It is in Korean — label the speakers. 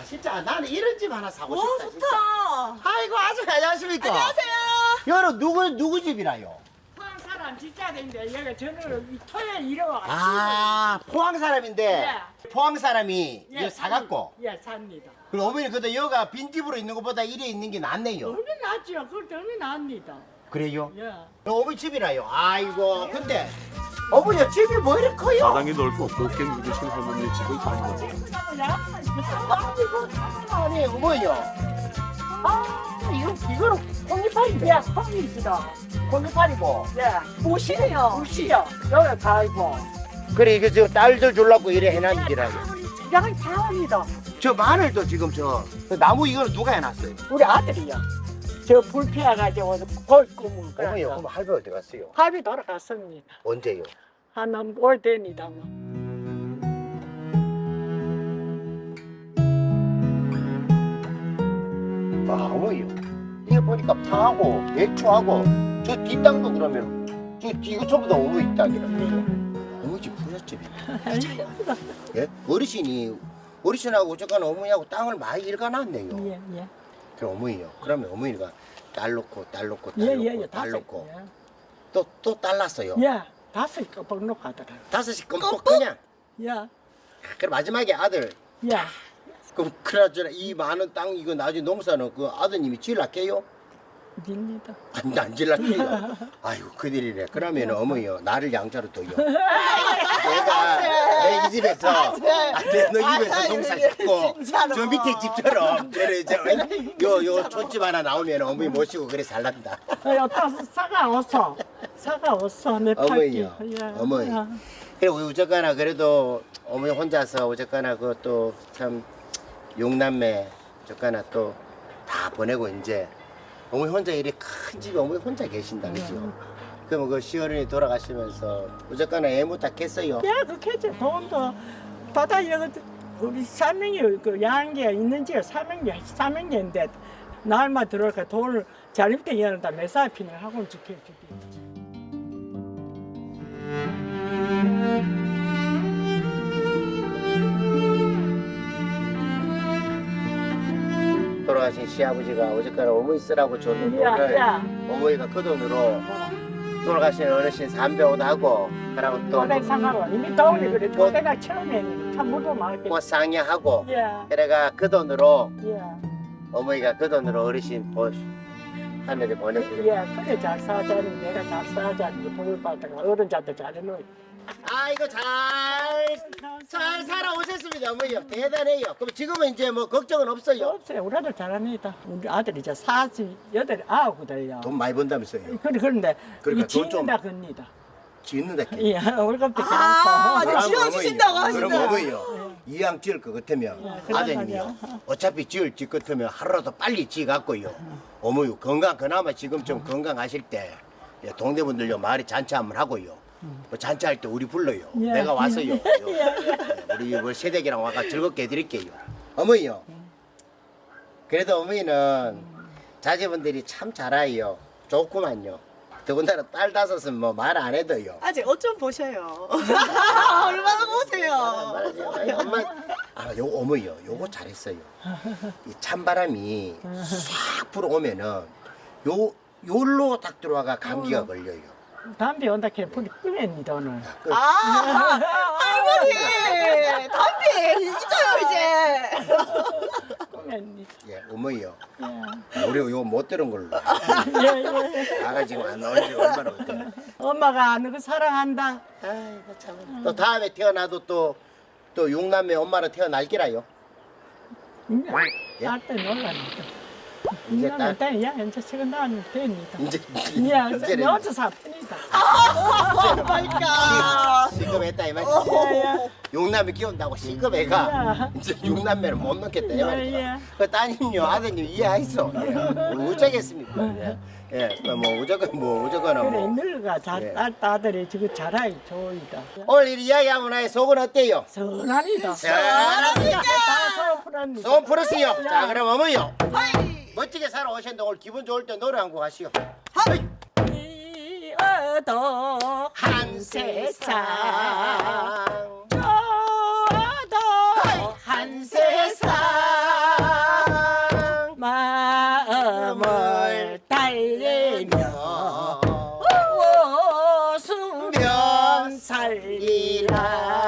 Speaker 1: 진짜 나는 이런 집 하나 사고
Speaker 2: 오,
Speaker 1: 싶다. 진짜.
Speaker 2: 좋다.
Speaker 1: 아이고 아주 안녕하십니까?
Speaker 2: 안녕하세요.
Speaker 1: 여러 누구 집이라요?
Speaker 3: 포항 사람 진짜 된데 여기 저는 토요일 일어와.
Speaker 1: 아 포항 사람인데
Speaker 3: 예.
Speaker 1: 포항 사람이
Speaker 3: 예,
Speaker 1: 이거 사갖고.
Speaker 3: 예, 삽니다.
Speaker 1: 그럼 어머니 그래도 여가 빈집으로 있는 것보다 이래 있는 게 낫네요.
Speaker 3: 얼마 낫죠? 그걸 얼마 납니다.
Speaker 1: 그래요?
Speaker 3: 예.
Speaker 1: 어머니 집이라요. 아이고 근데 어머니 집이 뭐 이렇게 커요?
Speaker 4: 마당이 넓고 곱게 묵으신 할머니의 집을 다니면서
Speaker 1: 아니 어머니요. 아 이거는 콩잎알인데.
Speaker 3: 예, 콩입니다.
Speaker 1: 콩잎알이고.
Speaker 3: 예.
Speaker 2: 보시네요.
Speaker 3: 굿이요. 여기 다 있고.
Speaker 1: 그래 이거 저 딸들 주려고 이래 해놨는 기라요.
Speaker 3: 양이 다 합니다.
Speaker 1: 저 마늘도 지금 저 나무 이거는 누가 해놨어요?
Speaker 3: 우리 아들이요. 저 불피해가지고 골 꿈을
Speaker 1: 어머니
Speaker 3: 그래서
Speaker 1: 그럼 할배 어디 갔어요?
Speaker 3: 합이 돌아갔습니다.
Speaker 1: 언제요?
Speaker 3: 한 올 됩니다. 뭐.
Speaker 1: 아 어머니요. 이거 보니까 파하고 배추하고 저 뒷땅도 그러면 이거 전부 다 어머니 땅이라고요. 어머니 집 부잣집이네. 예? 어르신하고 어쨌거나 어머니하고 땅을 많이 일가놨네요.
Speaker 3: 예, 예.
Speaker 1: 그럼 어머니요. 그러면 어머니가 딸 놓고
Speaker 3: 예, 예, 예.
Speaker 1: 딸
Speaker 3: 다섯.
Speaker 1: 놓고 또 딸 낳았어요.
Speaker 3: 예. 예. 다섯 꺼벅 놓고 하더라고요.
Speaker 1: 다섯이 껌뻑 그냥.
Speaker 3: 예.
Speaker 1: 그럼 마지막에 아들.
Speaker 3: 예.
Speaker 1: 그럼 그나저나 이 많은 땅 이거 나중에 농사는 그 아드님이 지을라게요?
Speaker 3: 입니다.
Speaker 1: 안 질랄게요. 아이고 그들이래. 그러면 어머니요 나를 양자로 둬요. 내가 내 이 집에서 너 집에서 농사 짓고 저 밑에 집처럼 요 촌집 하나 나오면 어머니 모시고 그래 살란다.
Speaker 3: 사과 어서 내 팔기.
Speaker 1: 어머니요. 어머니. 그리고 어쨌거나 그래도 어머니 혼자서 어쨌거나 그것도 참 용남매 어쨌거나 또 다 보내고 이제 어머니 혼자 이렇게 큰 집에 어머니 혼자 계신다 그죠? 그럼 그 시어른이 돌아가시면서 어쨌거나 애무 다 깼어요.
Speaker 3: 야, 그 캐치 돈도 바다에 우리 사명이 그 양계가 있는 지가 사명계인데 날만 들어올까 돈을 잘못된 이하는 다 매사 피는 학원 지켜주기.
Speaker 1: 돌아가신 시아버지가 어쨌거나 어머니 쓰라고 줬는 돈을 어머니가 그 돈으로 돌아가신 어르신 삼배옷 하고 그러고 또
Speaker 3: 도백 상하고 이미 돈이 그래. 도대가 처음에 참 무도 많게.
Speaker 1: 꽃 상여하고
Speaker 3: 예,
Speaker 1: 그래가 그 돈으로
Speaker 3: 예,
Speaker 1: 어머니가 그 돈으로 어르신 하늘에 보내주고
Speaker 3: 예. 그래 잘 사자니 내가 잘 사자니 돈을 받다가 어른자도 잘해놓이.
Speaker 1: 아이고 잘 살아오셨습니다 어머니요. 대단해요. 그럼 지금은 이제 뭐 걱정은 없어요?
Speaker 3: 없어요. 우리 아들 잘합니다. 우리 아들이 이제 48이거든요.
Speaker 1: 돈 많이 번다면서요?
Speaker 3: 그런데
Speaker 1: 그러니까
Speaker 3: 이
Speaker 1: 돈 좀-
Speaker 3: 짓는다 겁니다.
Speaker 1: 짓는다
Speaker 3: 예, 월급도
Speaker 2: 아,
Speaker 3: 많고.
Speaker 2: 네, 지어주신다고
Speaker 1: 그럼
Speaker 2: 하신다.
Speaker 1: 어머니요. 이왕 지을 것 같으면
Speaker 3: 그런
Speaker 1: 아드님이요.
Speaker 3: 말이야.
Speaker 1: 어차피 지을 것 같으면 하루라도 빨리 지갖고요. 어머니 건강 그나마 지금 좀 건강하실 때 예, 동네분들요 마을에 잔치 한번 하고요. 뭐 잔치할 때 우리 불러요.
Speaker 3: 예.
Speaker 1: 내가 와서요. 우리 뭐 새댁이랑 와가 즐겁게 해드릴게요. 어머니요. 그래도 어머니는 자제분들이 참 잘해요. 좋구만요. 더군다나 딸 다섯은 뭐 말 안 해도요.
Speaker 2: 아직 옷 좀 보셔요. 얼마나 보세요.
Speaker 1: 말하지 마요. 엄마. 아, 요 어머니요. 요거 잘했어요. 이 찬바람이 싹 불어오면은 요로 딱 들어와가 감기가 걸려요.
Speaker 3: 담배 온다 캐 불이 끄냅니다 오늘.
Speaker 1: 그,
Speaker 2: 아, 할머니, 담배 잊어요 이제.
Speaker 3: 끄냅니다.
Speaker 1: 예, 어머니요.
Speaker 3: 예,
Speaker 1: 우리 요거 못 들은 걸로.
Speaker 3: 예.
Speaker 1: 아가 지금 안 나온 지 얼마나 됐대.
Speaker 3: 엄마가 너그 사랑한다.
Speaker 1: 아이고 참. 또 다음에 태어나도 또 육남매 엄마로 태어날 기라요. 예?
Speaker 3: 딸때 놀랍니다.
Speaker 1: 이제 딸
Speaker 3: 야, 이제 지금 나는 됩니다.
Speaker 1: 이제
Speaker 3: 야,
Speaker 1: 이제는
Speaker 3: 여자 사뿐이다.
Speaker 2: 오 마이 갓.
Speaker 1: 시급했다 이 말이지.
Speaker 3: 예,
Speaker 1: 육남매 키운다고 시급애가
Speaker 3: 야.
Speaker 1: 이제 육남매를 못 넣겠다 이
Speaker 3: 예,
Speaker 1: 말이지.
Speaker 3: 예.
Speaker 1: 그 따님요 아드님 이해하이소. 예. 어쩌겠습니까? 예. 예. 뭐 어쩌거나
Speaker 3: 그래,
Speaker 1: 뭐.
Speaker 3: 늙어가
Speaker 1: 예.
Speaker 3: 딸들이 지금 잘하기 좋이다.
Speaker 1: 오늘 이 이야기 한번 하여 속은 어때요?
Speaker 3: 선합니다.
Speaker 1: 잘합니다.
Speaker 3: 다 소프랍니다.
Speaker 1: 소원 풀었어요. 자 그럼 어머니요. 멋지게 살아오셨는데 오늘 기분 좋을 때 노래 한 곡 하시오.
Speaker 3: 이어도
Speaker 1: 한 세상
Speaker 3: 저도
Speaker 1: 한 세상
Speaker 3: 살리라